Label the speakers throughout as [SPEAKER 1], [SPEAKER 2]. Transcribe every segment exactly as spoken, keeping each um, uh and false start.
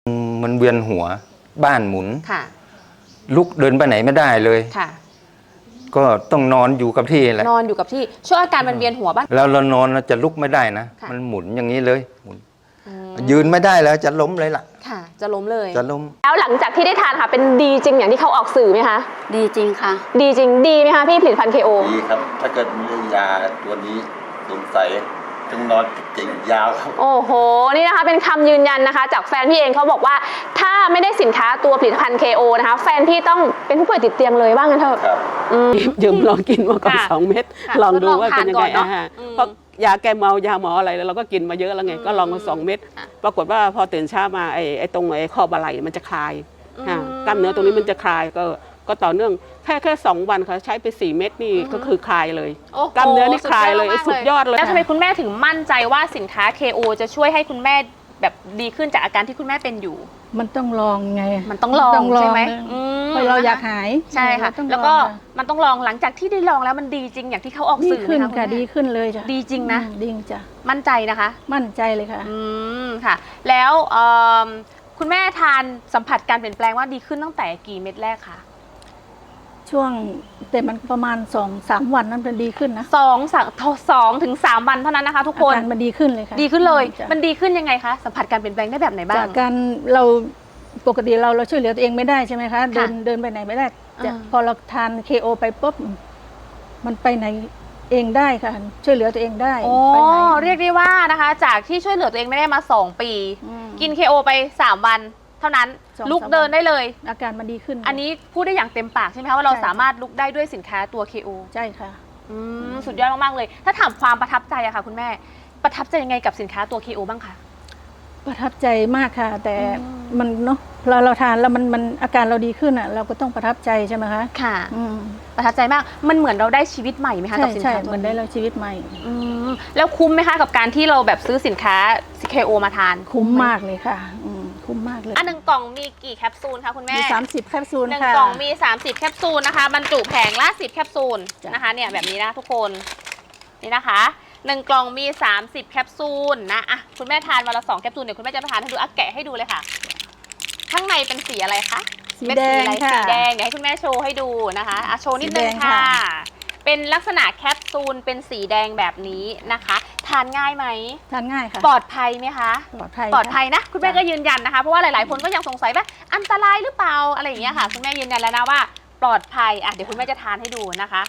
[SPEAKER 1] มันเวียนหัวบ้านหมุน
[SPEAKER 2] ค่ะ
[SPEAKER 1] ลุกเดินไปไหนไม่ได้เลย
[SPEAKER 2] ค่ะ
[SPEAKER 1] ก็ต้องนอนอยู่กับที่แหละ
[SPEAKER 2] นอนอยู่กับที่ช่วงอาการมันเวียนหัวบ้าง
[SPEAKER 1] แล้วเรานอนเราจะลุกไม่ได้นะมันหมุนอย่างนี้เลยหมุนยืนไม่ได้แล้วจะล้มเลยล่ะ
[SPEAKER 2] ค่ะจะล้มเลย
[SPEAKER 1] จะล้ม
[SPEAKER 2] แล้วหลังจากที่ได้ทานค่ะเป็นดีจริงอย่างที่เขาออกสื่อไหมคะ
[SPEAKER 3] ดีจริงค่ะ
[SPEAKER 2] ดีจริงดีไหมคะพี่ผลิตภัณฑ์ เค โอ
[SPEAKER 4] ดีครับถ้าเกิดมียาตัวนี้สงสัยต้องนอนเก่งยาวครับ
[SPEAKER 2] โอ้โหนี่นะคะเป็นคำยืนยันนะคะจากแฟนพี่เองเขาบอกว่าถ้าไม่ได้สินค้าตัวผลิตภัณฑ์ เค โอ นะคะแฟนพี่ต้องเป็นผู้ป่วยติดเตียงเลยว่างั้นเถอะ
[SPEAKER 3] ยืมลองกินมาก่อนสองเม็ดลองดูว่าเป็นยังไงนะเพราะยาแก้เมายาหมออะไรเราก็กินมาเยอะแล้วไงก็ลองมาสองเม็ดปรากฏว่าพอตื่นเช้ามาไอ้ไอ้ตรงไอ้ข้อบ่าไหล่มันจะคลายกล้ามเนื้อตรงนี้มันจะคลายก็ก็ต่อเนื่องแค่แค่สองวันค่ะใช้ไปสี่เม็ดนี่ก็คือคลายเลยกล้ามเนื้อนี่คลายเลยสุดยอดเลย
[SPEAKER 2] แล้วทำไมคุณแม่ถึงมั่นใจว่าสินค้า เค โอ จะช่วยให้คุณแม่แบบดีขึ้นจากอาการที่คุณแม่เป็นอยู่
[SPEAKER 5] มันต้องลองไง
[SPEAKER 2] มันต้องลองใช่ไหม
[SPEAKER 5] เพราะเราอยากหาย
[SPEAKER 2] ใช่ค่ะแล้วก็มันต้องลองหลังจากที่ได้ลองแล้วมันดีจริงอย่างที่เขาออกสื่อ
[SPEAKER 5] ดีขึ้นค่ะดีขึ้นเลยจ้ะ
[SPEAKER 2] ดีจริงนะ
[SPEAKER 5] ดีจ้ะ
[SPEAKER 2] มั่นใจนะคะ
[SPEAKER 5] มั่นใจเลยค่ะ
[SPEAKER 2] อืมค่ะแล้วคุณแม่ทานสัมผัสการเปลี่ยนแปลงว่าดีขึ้นตั้งแต่กี่เม็ดแรกคะ
[SPEAKER 5] ช่วงแต่มันประมาณสองสามวันนั้นมันดีขึ้นนะ
[SPEAKER 2] สองสามสองถึงสามวันเท่านั้นนะคะทุกคน
[SPEAKER 5] มันดีขึ้นเลยค่ะ
[SPEAKER 2] ดีขึ้นเลยมันดีขึ้นยังไงคะสัมผัสการเปลี่ยนแปลงได้แบบไหนบ้าง
[SPEAKER 5] จากการเราปกติเราเราช่วยเหลือตัวเองไม่ได้ใช่ไหมคะเดินเดินไปไหนไม่ได้พอเราทาน เค โอ ไปปุ๊บมันไปไหนเองได้ค่ะช่วยเหลือตัวเองได้
[SPEAKER 2] โอ้เรียกได้ว่านะคะจากที่ช่วยเหลือตัวเองไม่ได้มาสองปีกิน เค โอ ไปสามวันเท่านั้นลุกเดินได้เลย
[SPEAKER 5] อาการมันดีขึ้น
[SPEAKER 2] อันนี้พูดได้อย่างเต็มปากใช่ไหมคะว่าเราสามารถลุกได้ด้วยสินค้าตัว เค โอ
[SPEAKER 5] ใช่ค่ะ
[SPEAKER 2] สุดยอดมากๆเลยถ้าถามความประทับใจอะค่ะคุณแม่ประทับใจยังไงกับสินค้าตัว เค โอ บ้างคะ
[SPEAKER 5] ประทับใจมากค่ะแต่มันเนาะเราเราทานแล้วมันมันอาการเราดีขึ้นอ่ะเราก็ต้องประทับใจใช่ไหมคะ
[SPEAKER 2] ค่ะประทับใจมากมันเหมือนเราได้ชีวิตใหม่ไหมคะกับสินค้าตัวนี้
[SPEAKER 5] เหมือนได้เราชีวิตใหม่
[SPEAKER 2] แล้วคุ้มไหมคะกับการที่เราแบบซื้อสินค้า เค โอ มาทาน
[SPEAKER 5] คุ้มมากเลยค่ะคุ้มมากเลย
[SPEAKER 2] อันหนึ่งกล่องมีกี่แคปซูลคะคุณแม่
[SPEAKER 5] มีสามสิบแคปซูลค่ะ
[SPEAKER 2] หนึ่งกล่องมีสามสิบแคปซูลนะคะบรรจุแผงละสิบแคปซูลนะคะเนี่ยแบบนี้นะทุกคนนี่นะคะหนึ่งกล่องมีสามสิบแคปซูลนะอ่ะคุณแม่ทานวันละสองแคปซูลเดี๋ยวคุณแม่จะทานให้ดูอ่ะแกะให้ดูเลยค่ะข้างในเป็นสีอะไรคะ
[SPEAKER 5] สีแดงค่ะ
[SPEAKER 2] สีแดงเดี๋ยวให้คุณแม่โชว์ให้ดูนะคะอ่ะโชว์นิดนึงค่ะเป็นลักษณะแคปซูลเป็นสีแดงแบบนี้นะคะทานง่ายไหม
[SPEAKER 5] ทานง่ายค่ะ
[SPEAKER 2] ปลอดภัยไหมคะ
[SPEAKER 5] ปลอดภัย
[SPEAKER 2] ปลอดภัยนะคุณแม่ก็ยืนยันนะคะเพราะว่าหลายๆคนก็ยังสงสัยว่าอันตรายหรือเปล่าอะไรอย่างเงี้ยค่ะคุณแม่ยืนยันแล้วนะว่าปลอดภัยอ่ะเดี๋ยวคุณแม่จะทานให้ดูนะคะ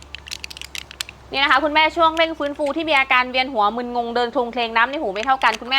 [SPEAKER 2] นี่นะคะคุณแม่ช่วงเร่งฟื้นฟูที่มีอาการเวียนหัวมึนงงเดินคลงเคลงน้ำในหูไม่เท่ากันคุณแม่